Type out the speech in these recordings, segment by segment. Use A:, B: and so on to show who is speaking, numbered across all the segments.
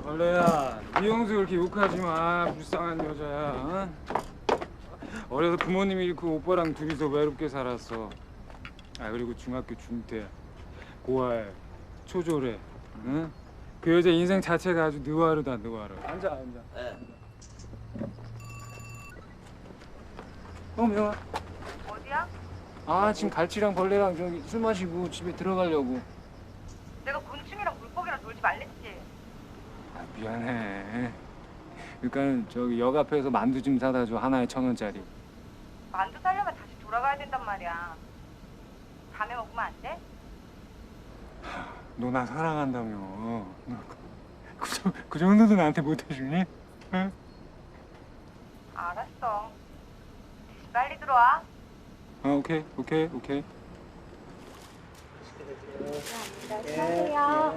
A: 벌레야, 이영수 그렇게 욕하지 마. 불쌍한 여자야. 응? 어려서 부모님 잃고 오빠랑 둘이서 외롭게 살았어. 아 그리고 중학교 중퇴, 고아에, 초졸에, 응? 그 여자 인생 자체가 아주 느와르다 느와르. 앉아.
B: 네.
A: 명아.
C: 어디야?
A: 아 지금 갈치랑 벌레랑 저기 술 마시고 집에 들어가려고.
C: 내가 곤충이랑 물고기랑 놀지 말랬지.
A: 아, 미안해. 그러니까 저기 역 앞에서 만두 좀 사다 줘. 하나에 1,000원짜리.
C: 만두 사려면 다시 돌아가야 된단 말이야. 밤에 먹으면 안 돼?
A: 너 나 사랑한다며. 그 정도도 나한테 못 해주니? 응?
C: 알았어. 대신 빨리 들어와.
A: 아 오케이.
C: 수고하세요.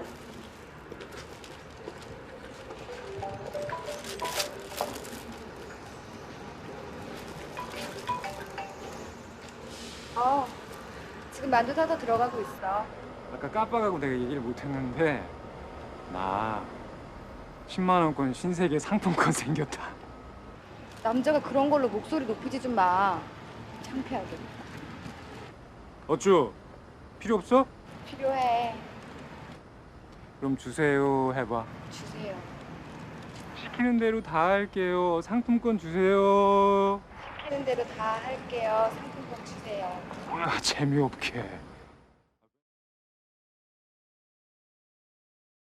D: 지금 만두 사서 들어가고 있어.
A: 아까 깜빡하고 내가 얘기를 못했는데 나 10만 원권 신세계 상품권 생겼다.
D: 남자가 그런 걸로 목소리 높이지 좀 마. 창피하게.
A: 어쭈? 필요 없어?
D: 필요해.
A: 그럼 주세요 해봐.
D: 주세요.
A: 시키는 대로 다 할게요. 상품권 주세요.
D: 시키는 대로 다 할게요. 상품권 주세요.
A: 뭐야 재미없게.